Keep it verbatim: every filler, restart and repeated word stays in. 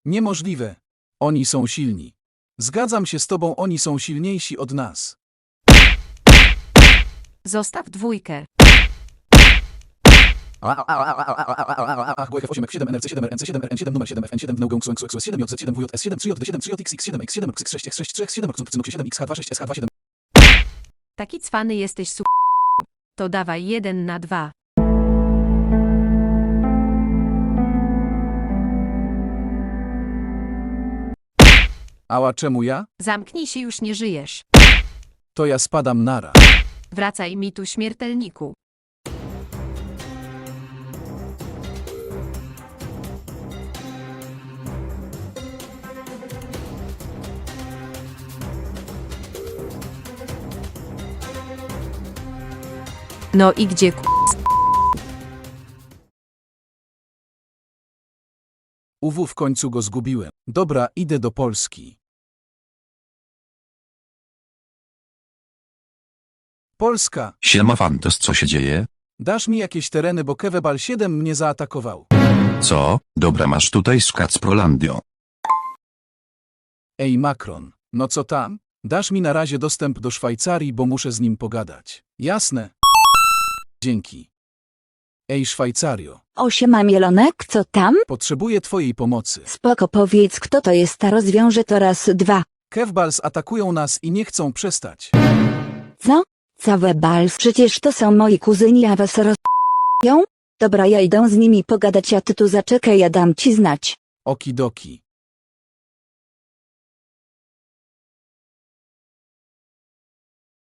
Niemożliwe. Oni są silni. Zgadzam się z tobą, oni są silniejsi od nas. Zostaw dwójkę. Ach, B F osiem F siedem N R C siedem R N C siedem R N siedem numer siedem F N siedem W N G X X siedem J Z siedem W J S siedem trzy J D siedem trzy J X X siedem X siedem X siedem X sześć X sześć trzy X siedem X siedem X H dwa sześć S H dwa siedem. Taki cwany jesteś su... To dawaj jeden na dwa. Ała, czemu ja? Zamknij się, już nie żyjesz. To ja spadam nara. Wracaj mi tu, śmiertelniku. No i gdzie k... Uwu, w końcu go zgubiłem. Dobra, idę do Polski. Polska, Siema Fantos, co się dzieje? dasz mi jakieś tereny, bo Kewebal siedem mnie zaatakował. Co? Dobra, masz tutaj z Kacprolandio. Ej Macron, no co tam? Dasz mi na razie dostęp do Szwajcarii, bo muszę z nim pogadać. Jasne. Dzięki. Ej Szwajcario, O siema Mielonek, co tam? potrzebuję twojej pomocy. Spoko, powiedz kto to jest, a rozwiążę to raz, dwa. Kewbals atakują nas i nie chcą przestać. Co? Całe bals, przecież to są moi kuzyni, a was roz***ją? Dobra, ja idę z nimi pogadać, a ty tu zaczekaj, ja dam ci znać. Okidoki.